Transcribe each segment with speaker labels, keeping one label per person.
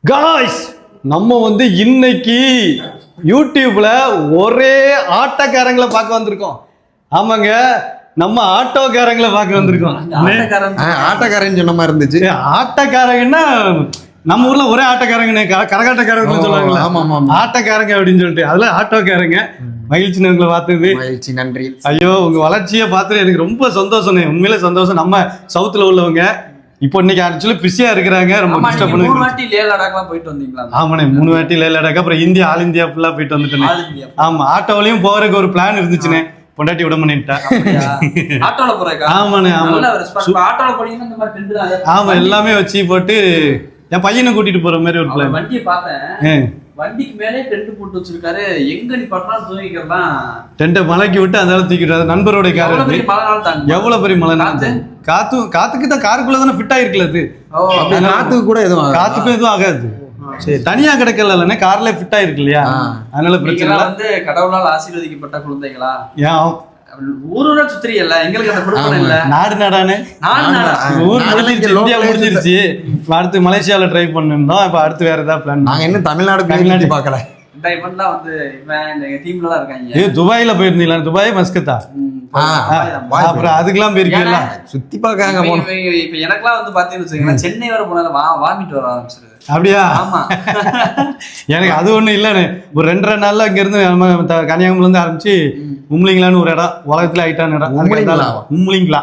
Speaker 1: Guys நம்ம இன்னைக்கு யூடியூப்ல ஒரே ஆட்டோக்காரங்களை பார்க்க வந்திருக்கோம். ஆமாங்க, நம்ம ஆட்டோக்காரங்களை பார்க்க வந்திருக்கோம்.
Speaker 2: ஆட்டோக்காரன்னு சொன்ன மாதிரி இருந்துச்சு.
Speaker 1: ஆட்டோக்காரங்கன்னா நம்ம ஊர்ல ஒரே ஆட்டோக்காரங்க கரகாட்டக்காரங்க சொல்லுவாங்களா, ஆட்டோக்காரங்க அப்படின்னு சொல்லிட்டு அதுல ஆட்டோக்காரங்க. மகிழ்ச்சி உங்களை பார்த்தது.
Speaker 2: மகிழ்ச்சி, நன்றி.
Speaker 1: ஐயோ, உங்க வளர்ச்சியை பார்த்துட்டு எனக்கு ரொம்ப சந்தோஷம், உண்மையிலே சந்தோஷம். நம்ம சவுத்துல உள்ளவங்க இப்போ இன்னைக்கு ஆக்சுவலி பிஸியா இருக்கிறாங்க. ரொம்ப டிஸ்டர்ப் பண்ணுங்க.
Speaker 3: 3 வாட்டி லே லடாக்லாம் போயிட்டு வந்தீங்களா?
Speaker 1: ஆமாண்ணே, 3 வாட்டி லே லடாக், அப்புறம் இந்தியா ஆல் இந்தியா ஃபுல்லா போயிட்டு வந்துட்டேன். ஆமா, ஆட்டோவிலையும் போறதுக்கு ஒரு பிளான் இருந்துச்சுனே, பொண்டாட்டி விட பண்ணிட்டா.
Speaker 3: ஆட்டோல போறேக்கா?
Speaker 1: ஆமாண்ணே, ஆமா.
Speaker 3: ஆட்டோல போறீங்கன்னா இந்த மாதிரி டென்ட் தான்.
Speaker 1: ஆமா, எல்லாமே வச்சு போட்டு என் பையனை கூட்டிட்டு போற மாதிரி ஒரு பிளான்.
Speaker 3: வண்டியை பார்த்தேன், வண்டிக்கு மேலே டென்ட் போட்டு வச்சிருக்காரு. எங்க நீ பட்டா தூங்கிக்கலாம்,
Speaker 1: டென்ட்டை மலைக்கு விட்டு அந்த தூக்கிட்டு நண்பரோட கார். எவ்வளவு பெரிய மழை! காத்துக்கு தான் காருக்குள்ள தானே ஃபிட் ஆயிருக்குல. அது
Speaker 2: காத்துக்கு கூட எதுவும்
Speaker 1: காத்துக்கும் எதுவும் ஆகாது. சரி, தனியா கிடைக்கல, கார்ல ஃபிட் ஆயிருக்கு இல்லையா, அதனால பிரச்சனை இல்ல.
Speaker 3: கடவுளால் ஆசீர்வதிக்கப்பட்ட குழந்தைகளா?
Speaker 1: ஏன்
Speaker 3: ஊரூரா சுத்திரியல்ல, எங்களுக்கு அந்த குடும்பம் இல்ல.
Speaker 1: நாடு நாடானே ஊர் இந்தியா முடிஞ்சிருச்சு. அடுத்து மலேசியால ட்ரை பண்ணிருந்தோம். இப்ப அடுத்து வேற ஏதாவது பிளான்.
Speaker 2: நாங்க இன்னும் தமிழ்நாடு பார்க்கல.
Speaker 3: இந்த இவெண்ட்லாம் எங்க டீம்ல தான் இருக்காங்க.
Speaker 1: துபாயில போயிருந்தீங்களா? துபாய் மஸ்கத்தா? அப்புறம் அதுக்கெல்லாம் போயிருக்கீங்களா?
Speaker 2: சுத்தி பாக்காங்க.
Speaker 3: இப்ப எனக்கெல்லாம் பாத்தீங்கன்னு வச்சுக்கோங்களேன், சென்னை வர போனாலும் வாமிட்டு வர ஆரம்பிச்சிருது.
Speaker 1: அப்படியா?
Speaker 3: ஆமா.
Speaker 1: எனக்கு அது ஒண்ணும் இல்லன்னு, ஒரு 2 நாள்ல இங்க இருந்து கன்னியாகுமரில இருந்து ஆரம்பிச்சு உம்லிங்கலான்னு ஒரு இடம், உலகத்துல ஆயிட்டான இடம். உம்லிங்களா,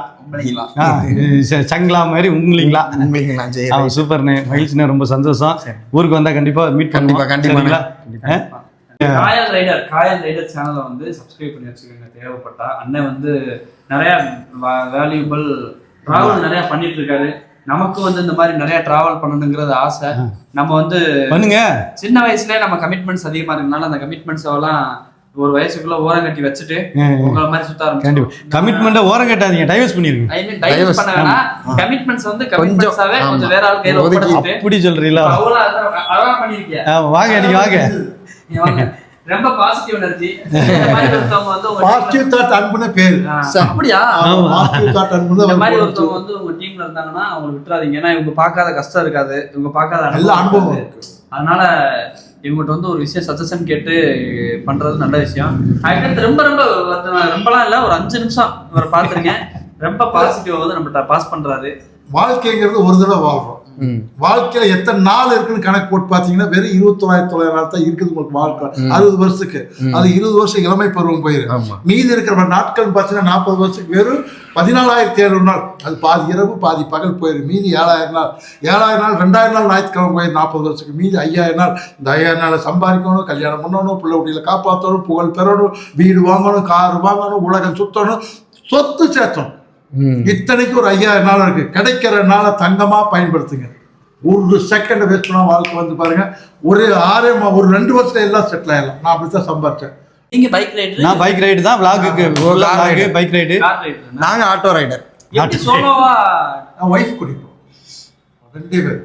Speaker 1: சங்களா மாதிரி உம்லிங்களா. சூப்பர்ண்ணே, மகிழ்ச்சிண்ணே, ரொம்ப சந்தோஷம். ஊருக்கு வந்தா கண்டிப்பா மீட்
Speaker 2: கண்டிப்பா.
Speaker 3: காயல் ரைடர் சேனலை சப்ஸ்கிரைப் பண்ணி வச்சுக்கோங்க. தேவைப்பட்டா அண்ணன் நிறைய வேல்யூபிள் டிராவல் நிறைய பண்ணிட்டு இருக்காரு. நமக்கு இந்த மாதிரி நிறைய டிராவல் பண்ணணுங்கிறது ஆசை. நம்ம
Speaker 1: பண்ணுங்க.
Speaker 3: சின்ன வயசுல நம்ம கமிட்மெண்ட்ஸ் அதிகமா இருக்கனால அந்த கமிட்மெண்ட்ஸ் எல்லாம் ஒரு வயசுக்குள்ள ஓரம் கட்டி வச்சுட்டு உங்கள மாதிரி சுத்த ஆரம்பிச்சோம்.
Speaker 1: கமிட்மெண்ட்டை ஓரம் கட்டாதீங்க, டைவர்ஸ் பண்ணிருங்க.
Speaker 3: ஐ மீன் டைவர்ஸ் பண்ண வேணா, கமிட்மெண்ட்ஸ் கமிட்மெண்ட்ஸாவே கொஞ்சம் வேற ஆள் கையில ஒப்படைச்சிட்டு.
Speaker 1: அப்படி சொல்றீங்களா?
Speaker 3: அழகா பண்ணிருக்கீங்க.
Speaker 1: வாங்க, நீங்க வாங்க.
Speaker 3: ரொம்ப பாசிட்டிவ் எனர்ஜி.
Speaker 4: பாசிட்டிவ் தாட் அன்புன பேர்.
Speaker 3: அப்படியா?
Speaker 4: பாசிட்டிவ் தாட் அன்புன.
Speaker 3: இந்த மாதிரி ஒருத்தவங்க உங்க டீம்ல இருந்தாங்கன்னா அவங்க விட்டுறாதீங்க. ஏன்னா இவங்க பார்க்காத கஷ்டம் இருக்காது, இவங்க பார்க்காத
Speaker 4: நல்ல அனுபவம் இருக்கு.
Speaker 3: அதனால இவங்ககிட்ட ஒரு விஷயம் சஜஷன் கேட்டு பண்றது நல்ல விஷயம். அதுக்கு ரொம்பலாம் இல்ல, ஒரு 5 நிமிஷம் இவரை பாத்துருங்க. ரொம்ப பாசிட்டிவ் நம்ம பாஸ் பண்றாரு.
Speaker 4: வாழ்க்கைங்கிறது ஒரு தடவை வாழ்றோம். வாழ்க்கையில எத்தனை நாள் இருக்குன்னு கணக்கு போட்டு பாத்தீங்கன்னா வெறும் 29,900 நாள் தான் இருக்குது உங்களுக்கு வாழ்க்கை. 60 வருஷத்துக்கு அது 20 வருஷம் இளமை பருவம் போயிரு. மீதி இருக்கிற நாட்கள் பாத்தீங்கன்னா 40 வருஷத்துக்கு வெறும் 14,700 நாள். அது பாதி இரவு பாதி பகல் போயிரு. மீதி 7,000 நாள். 7,000 நாள் 2,000 நாள் ஞாயிற்றுக்கிழமை போயிரு 40 வருஷத்துக்கு. மீதி 5,000 நாள். இந்த 5,000 நாளை சம்பாதிக்கணும், கல்யாணம் பண்ணணும், பிள்ளை குட்டியில காப்பாற்றணும், புகழ் பெறணும், வீடு வாங்கணும், கார் வாங்கணும், உலகம் சுத்தணும், சொத்து சேர்த்தணும். இத்தனைக்கு ஒரு 5,000 நாள் இருக்கு. கிடைக்கிற நாளை தங்கமா பயன்படுத்துங்க. ஒரு செகண்ட் வேஸ்ட் பண்ணா வாழ்க்கை பாருங்க. ஒரு 2 வருஷத்துல எல்லாம் செட்டில் ஆயிடலாம். நான் அப்படித்தான் சம்பாதிச்சேன்.
Speaker 3: நீங்க பைக் ரைடர்?
Speaker 1: நான் பைக் ரைடு தான். vlog bike ride.
Speaker 2: நாங்க ஆட்டோ ரைடர்.
Speaker 3: எப்படி சோலோவா?
Speaker 4: நான் வைஃப் குடிப்போம் 2 பேர்.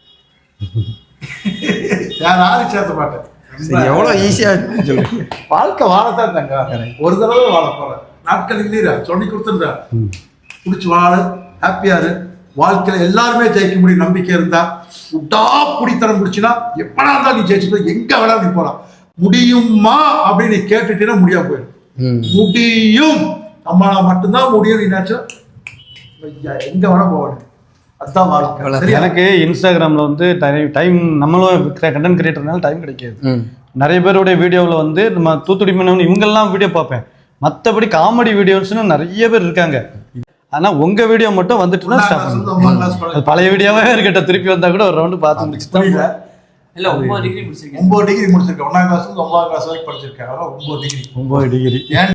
Speaker 4: யாரும் சேர்த்த மாட்டேன்.
Speaker 2: எவ்வளவு ஈஸியா
Speaker 4: வாழ்க்கை வாழத்தான் தாங்க. ஒரு தடவை வாழ போறேன். நாட்கள் இல்லையா சொல்லி கொடுத்துருந்தா குடிச்சு வாழ, ஹாப்பியாரு. வாழ்க்கையில எல்லாருமே ஜெயிக்க முடியும் நம்பிக்கை இருந்தா. விட்டா குடித்தனம் முடிச்சுன்னா எப்படா இருந்தாலும் நீ ஜெயிச்சுட்டு எங்க வேணாலும் நீ போலாம். முடியுமா அப்படின்னு கேட்டுட்டீங்கன்னா முடியாம போயிடும். முடியும், நம்மளால மட்டும்தான் முடியும். நீ நினைச்சா எங்க வேணா போகணும். அதுதான் வாழ்க்கை.
Speaker 1: எனக்கு இன்ஸ்டாகிராம்ல டைம், நம்மளும் கண்டென்ட் கிரியேட்டர்னால டைம் கிடைக்காது. நிறைய பேருடைய வீடியோவில் நம்ம தூத்துடி மீனவன் இவங்கெல்லாம் வீடியோ பார்ப்பேன். மற்றபடி காமெடி வீடியோஸ்னு நிறைய பேர் இருக்காங்க. ஆனா உங்க வீடியோ மட்டும் வந்துட்டுன்னா பழைய வீடியோவே இருக்கட்டும், திருப்பி வந்தா கூட ஒரு ரவுண்டு பார்த்து முடிச்சுதான்.
Speaker 3: இல்ல 9 டிகிரி முடிச்சிருக்கேன்.
Speaker 4: 9 டிகிரி முடிச்சிருக்கேன். 1ஆம் கிளாஸ் 9ஆம் கிளாஸ் வரைக்கும் படிச்சிருக்கேன். 9 டிகிரி.